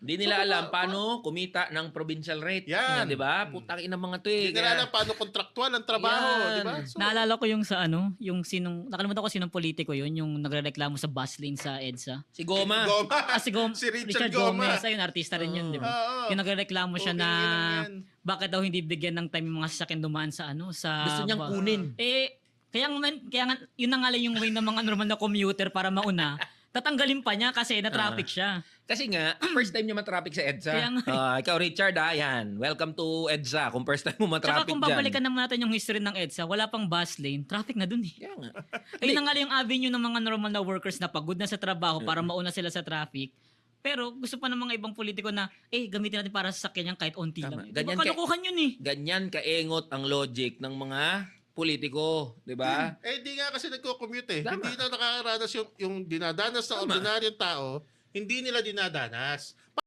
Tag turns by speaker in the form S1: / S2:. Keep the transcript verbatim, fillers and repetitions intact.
S1: Hindi
S2: So,
S1: nila alam
S2: baka-
S1: paano kumita ng provincial rate.
S2: Yan.
S1: Di ba? Putang ina mga to eh.
S2: Hindi nila alam paano kontraktual ang trabaho,
S1: Yan.
S2: di ba? So,
S3: Naalala ko yung sa ano, yung sinong, nakalimutan ko sinong politiko yun, yung nagrereklamo sa bus lane sa EDSA.
S1: Si Goma.
S2: Goma.
S3: Ah, si, Gom-
S2: Si Richard
S3: Richard,
S2: Goma.
S3: Gomez, ayun, artista rin yun, di ba?
S2: Oo.
S3: Yung nagrereklamo siya
S2: Okay
S3: na
S2: lang yan.
S3: bakit daw hindi bigyan ng time yung mga sasakyan dumaan sa ano, sa...
S1: Gusto niyang
S3: ba-
S1: kunin.
S3: Eh, kaya nga, kaya nga, yun na nga lang yung way ng mga normal na commuter para mauna. Tatanggalin pa niya kasi na-traffic siya.
S1: Kasi nga, first time niya matraffic sa EDSA.
S3: Kaya nga.
S1: Ah, ikaw, Richard, ah, yan. Welcome to EDSA. Kung first time mo
S3: Tsaka
S1: matraffic
S3: kung
S1: dyan.
S3: babalikan naman natin yung history ng EDSA, wala pang bus lane, traffic na dun eh.
S1: Kaya nga.
S3: Ayun na nga lang yung avenue ng mga normal na workers na pagod na sa trabaho para mauna sila sa traffic. Pero gusto pa ng mga ibang politiko na, eh, gamitin natin para sa sakyan yan kahit onti
S1: Tama.
S3: lang.
S1: Ganyan
S3: Ganyan
S1: kay-
S3: kalukuhan yun eh.
S1: Ganyan kaengot ang logic ng mga politiko. Di ba?
S2: Eh, di nga kasi nagko-commute eh.
S1: Tama.
S2: Hindi na nakakaranas yung, yung dinadanas ng ordinaryong tao, hindi nila dinadanas.